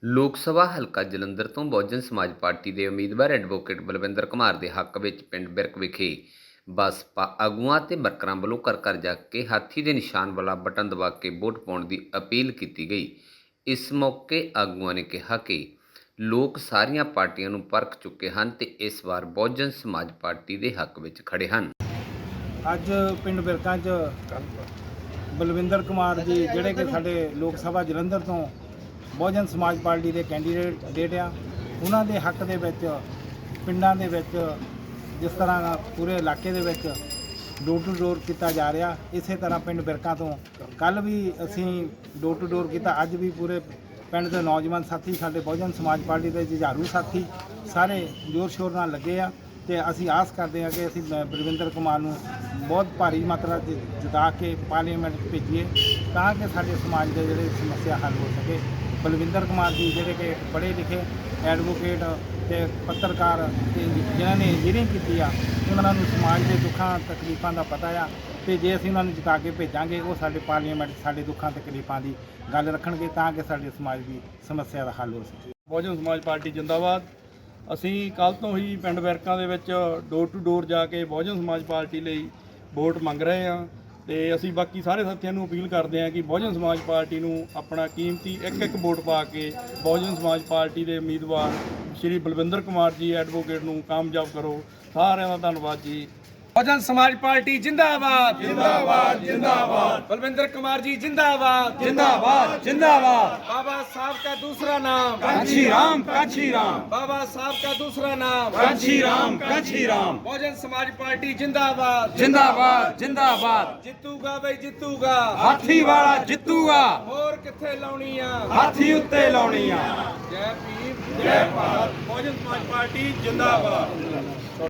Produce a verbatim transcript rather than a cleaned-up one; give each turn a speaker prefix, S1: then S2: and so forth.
S1: ਲੋਕ ਸਭਾ ਹਲਕਾ ਜਲੰਧਰ ਤੋਂ ਬਹੁਜਨ ਸਮਾਜ ਪਾਰਟੀ ਦੇ ਉਮੀਦਵਾਰ ਐਡਵੋਕੇਟ ਬਲਵਿੰਦਰ ਕੁਮਾਰ ਦੇ ਹੱਕ ਵਿੱਚ ਪਿੰਡ ਬਿਰਕ ਵਿਖੇ ਬਸਪਾ ਆਗੂਆਂ ਤੇ ਵਰਕਰਾਂ ਵੱਲੋਂ ਘਰ ਘਰ ਜਾ ਕੇ ਹਾਥੀ ਦੇ ਨਿਸ਼ਾਨ ਵਾਲਾ ਬਟਨ ਦਬਾ ਕੇ ਵੋਟ ਪਾਉਣ ਦੀ ਅਪੀਲ ਕੀਤੀ ਗਈ। ਇਸ ਮੌਕੇ ਆਗੂਆਂ ਨੇ ਕਿਹਾ ਕਿ ਲੋਕ ਸਾਰੀਆਂ ਪਾਰਟੀਆਂ ਨੂੰ ਪਰਖ ਚੁੱਕੇ ਹਨ ਤੇ ਇਸ ਵਾਰ ਬਹੁਜਨ ਸਮਾਜ ਪਾਰਟੀ ਦੇ ਹੱਕ ਵਿੱਚ ਖੜੇ ਹਨ।
S2: ਅੱਜ ਪਿੰਡ ਬਿਰਕਾਂ 'ਚ ਬਲਵਿੰਦਰ ਕੁਮਾਰ ਜੀ ਜਿਹੜੇ ਕਿ ਸਾਡੇ ਲੋਕ ਸਭਾ ਜਲੰਧਰ ਤੋਂ ਬਹੁਜਨ ਸਮਾਜ ਪਾਰਟੀ ਦੇ ਕੈਂਡੀਡੇਟ ਆ, ਉਹਨਾਂ ਦੇ ਹੱਕ ਦੇ ਵਿੱਚ ਪਿੰਡਾਂ ਦੇ ਵਿੱਚ ਜਿਸ ਤਰ੍ਹਾਂ ਪੂਰੇ ਇਲਾਕੇ ਦੇ ਵਿੱਚ ਡੋਰ ਟੂ ਡੋਰ ਕੀਤਾ ਜਾ ਰਿਹਾ, ਇਸੇ ਤਰ੍ਹਾਂ ਪਿੰਡ ਬਿਰਕਾਂ ਤੋਂ ਕੱਲ੍ਹ ਵੀ ਅਸੀਂ ਡੋਰ ਟੂ ਡੋਰ ਕੀਤਾ। ਅੱਜ ਵੀ ਪੂਰੇ ਪਿੰਡ ਦੇ ਨੌਜਵਾਨ ਸਾਥੀ, ਸਾਡੇ ਬਹੁਜਨ ਸਮਾਜ ਪਾਰਟੀ ਦੇ ਜੁਝਾਰੂ ਸਾਥੀ ਸਾਰੇ ਜ਼ੋਰ ਸ਼ੋਰ ਨਾਲ ਲੱਗੇ ਆ ਤੇ ਅਸੀਂ ਆਸ ਕਰਦੇ ਹਾਂ ਕਿ ਅਸੀਂ ਬਲਵਿੰਦਰ ਕੁਮਾਰ ਨੂੰ ਬਹੁਤ ਭਾਰੀ ਮਾਤਰਾ 'ਚ ਜਿਤਾ ਕੇ ਪਾਰਲੀਮੈਂਟ ਭੇਜੀਏ ਤਾਂ ਕਿ ਸਾਡੇ ਸਮਾਜ ਦੇ ਜਿਹੜੇ ਸਮੱਸਿਆ ਹੱਲ ਹੋ ਸਕੇ। ਬਲਵਿੰਦਰ ਕੁਮਾਰ ਜੀ ਜਿਹੜੇ ਕਿ ਪੜ੍ਹੇ ਲਿਖੇ ਐਡਵੋਕੇਟ ਤੇ ਪੱਤਰਕਾਰ ਤੇ ਜਿਨ੍ਹਾਂ ਨੇ ਇੰਜੀਨੀਅਰਿੰਗ ਕੀਤੀ ਆ, ਉਹਨਾਂ ਨੂੰ ਸਮਾਜ ਦੇ ਦੁੱਖਾਂ ਤਕਲੀਫਾਂ ਦਾ ਪਤਾ ਆ ਤੇ ਜੇ ਅਸੀਂ ਉਹਨਾਂ ਨੂੰ ਜਿਤਾ ਕੇ ਭੇਜਾਂਗੇ ਉਹ ਸਾਡੇ ਪਾਰਲੀਮੈਂਟ ਸਾਡੇ ਦੁੱਖਾਂ ਤਕਲੀਫਾਂ ਦੀ ਗੱਲ ਰੱਖਣਗੇ ਤਾਂ ਕਿ ਸਾਡੇ ਸਮਾਜ ਦੀ ਸਮੱਸਿਆ ਦਾ ਹੱਲ ਹੋ ਸਕੇ।
S3: ਬਹੁਜਨ ਸਮਾਜ ਪਾਰਟੀ ਜਿੰਦਾਬਾਦ। ਅਸੀਂ ਕੱਲ੍ਹ ਤੋਂ ਹੀ ਪਿੰਡ ਬਿਰਕਾਂ ਦੇ ਵਿੱਚ ਡੋਰ ਟੂ ਡੋਰ ਜਾ ਕੇ ਬਹੁਜਨ ਸਮਾਜ ਪਾਰਟੀ ਲਈ ਵੋਟ ਮੰਗ ਰਹੇ ਹਾਂ ਤੇ ਅਸੀਂ ਬਾਕੀ ਸਾਰੇ ਸਾਥੀਆਂ ਨੂੰ ਅਪੀਲ ਕਰਦੇ ਹਾਂ ਕਿ ਬਹੁਜਨ ਸਮਾਜ ਪਾਰਟੀ ਨੂੰ ਆਪਣਾ ਕੀਮਤੀ ਇੱਕ ਇੱਕ ਵੋਟ ਪਾ ਕੇ ਬਹੁਜਨ ਸਮਾਜ ਪਾਰਟੀ ਦੇ ਉਮੀਦਵਾਰ ਸ਼੍ਰੀ ਬਲਵਿੰਦਰ ਕੁਮਾਰ ਜੀ ਐਡਵੋਕੇਟ ਨੂੰ ਕਾਮਯਾਬ ਕਰੋ। ਸਾਰਿਆਂ ਦਾ ਧੰਨਵਾਦ ਜੀ।
S4: बहुजन समाज पार्टी जिंदाबाद जिंदाबाद जिंदाबाद बलविंदर कुमार जी जिंदाबाद जिंदाबाद जिंदाबाद बाबा साहब का दूसरा नाम कांची राम कांची राम बाबा साहब का दूसरा नाम कांची राम कांची राम बहुजन समाज पार्टी जिंदाबाद जिंदाबाद जिंदाबाद जितूगा भाई जितूगा हाथी वाला जितूगा और किथे लाउनी आ हाथी उत्ते लाउनी आ। जय भीम जय भारत। बहुजन समाज पार्टी जिंदाबाद।